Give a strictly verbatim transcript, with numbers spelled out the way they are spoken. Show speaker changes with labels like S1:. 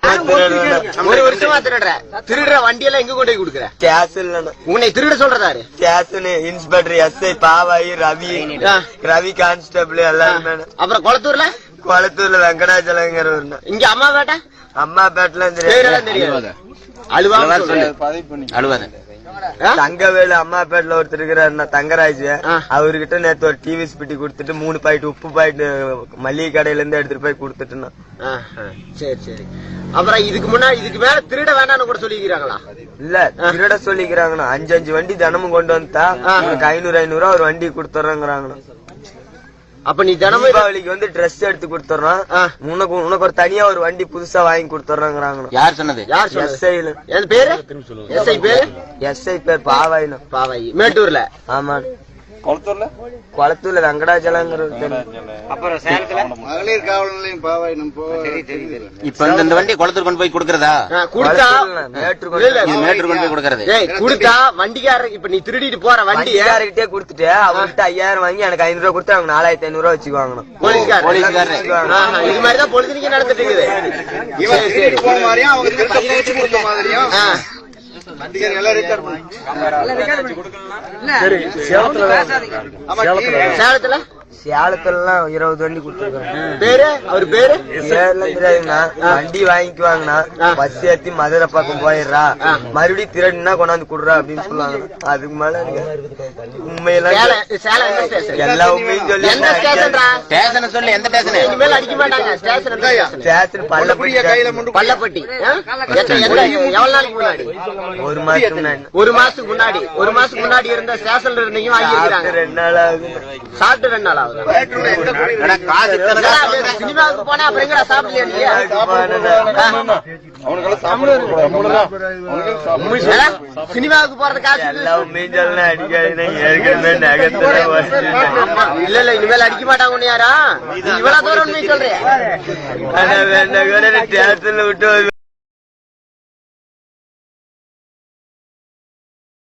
S1: ஒரு வருஷமா திருடுற திருடுற வண்டி எல்லாம் எங்க கொண்டு போய் கொடுக்குற?
S2: கேஸ் இல்ல
S1: உன்னை திருட சொல்றதாரு?
S2: கேஸ்னு inspector SI Pavayi Ravi Ravi constable எல்லாருமே.
S1: அப்புறம் குளத்தூர்ல
S2: குளத்தூர்ல வெங்கடாச்சலங்கிற
S1: இங்க அம்மா பேட்டை
S2: அம்மா பேட்டெல்லாம்
S1: தெரியாது. அழுவா அழுவாத
S2: தங்கவேலு அம்மா பேட்ல ஒருத்தர் இருக்கிறாரு தங்கராஜ். அவர்கிட்ட நேத்து ஒரு டிவி ஸ்பிட்டி குடுத்துட்டு மூணு பாயிண்ட் உப்பு பாயிண்ட் மளிகை கடையில இருந்து எடுத்துட்டு போய் குடுத்துட்டு.
S1: சரி சரி. அப்புறம் இதுக்கு முன்னாடி இதுக்கு மேல திருட வேண்டாம்னு கூட சொல்லிக்கிறாங்களா?
S2: இல்ல திருட சொல்லிக்கிறாங்கண்ணா. அஞ்சு அஞ்சு வண்டி தினமும் கொண்டு வந்தா உனக்கு ஐநூறு ஐநூறு ரூபா ஒரு வண்டி கொடுத்துறாங்கண்ணா.
S1: அப்ப நீ தினமும்
S2: தீபாவளிக்கு வந்து ட்ரெஸ் எடுத்து கொடுத்துறோம். உனக்கு உனக்கு ஒரு தனியா ஒரு வண்டி புதுசா வாங்கி கொடுத்துறாங்க.
S1: யார் சொன்னது? யார்
S2: எஸ்ஐல
S1: என் பேரு எஸ்ஐ பேரு
S2: எஸ்ஐ பேர் பாவாயினா
S1: பாவாயி மேட்டூர்ல.
S2: ஆமா குளத்தூர்ல குளத்தூர்ல வெங்கடாச்சலங்கிற.
S1: அப்புறம் சேலத்துல
S3: மகளிர் காவல் நிலையம் பாவாயினம்.
S1: இப்ப இந்த வண்டி குளத்தூர் கொண்டு போய் கொடுக்கறதா? கொடுத்தா மேட்டூர் கொண்டு போய் கொடுக்கறது. கொடுத்தா வண்டிக்காரர் இப்ப நீ திருடிட்டு போற வண்டி
S2: யாருக்கிட்டே கொடுத்துட்டு அவர்கிட்ட ஐயாயிரம் வாங்கி எனக்கு ஐநூறு ரூபா கொடுத்து அவங்க நாலாயிரத்தி ஐநூறு ரூபா வச்சுக்குவாங்க.
S1: போலீஸ்கார் போலீஸ்காரர் இது மாதிரிதான் பொழுதுனிக்கு நடந்துட்டு இருக்குது.
S3: இவன் திருடி போன மாதிரியும் அவங்க திருடி கொடுத்த மாதிரியும்
S1: சேலத்துல
S2: சேலத்துல இருபது வண்டி கொடுத்துருக்காங்க.
S1: பேரு அவர் பேரு
S2: தெரியாதுண்ணா. வண்டி வாங்கிக்குவாங்கண்ணா. பஸ் ஏத்தி மதுரை பக்கம் போயிடுறா மறுபடியும் திருடுனா கொண்டாந்து குடுறா அப்படின்னு சொல்லுவாங்க. அதுக்கு மேல உண்மையெல்லாம் எல்லா உண்மையும் சொல்லி
S1: ஸ்டேஷன் சொல்லி எந்த ஸ்டேஷன் இனிமேல் அடிக்க மாட்டாங்க.
S2: ஸ்டேஷன் பள்ளப்பட்டி
S1: பள்ளப்பட்டி. எவ்வளவு நாளைக்கு முன்னாடி?
S2: ஒரு மாசத்துக்கு முன்னாடி
S1: ஒரு மாசத்துக்கு முன்னாடி ஒரு மாசத்துக்கு முன்னாடி இருந்த ஸ்டேஷன்ல இருந்தீங்க வாங்கிக்கிறாங்க.
S2: ரெண்டு நாள் ஆகுது.
S1: சாப்பிட்டு ரெண்டு நாள் ஆகுது. சினிமாவுக்கு போனா அப்புறம் எங்கடா சாப்பிடலையா? சினிமாவுக்கு போறது காசு இல்ல இல்ல இனிமேல் அடிக்க மாட்டாங்க. ஒண்ணு யாரா இவ்வளவு தூரம் சொல்றேன்
S2: விட்டு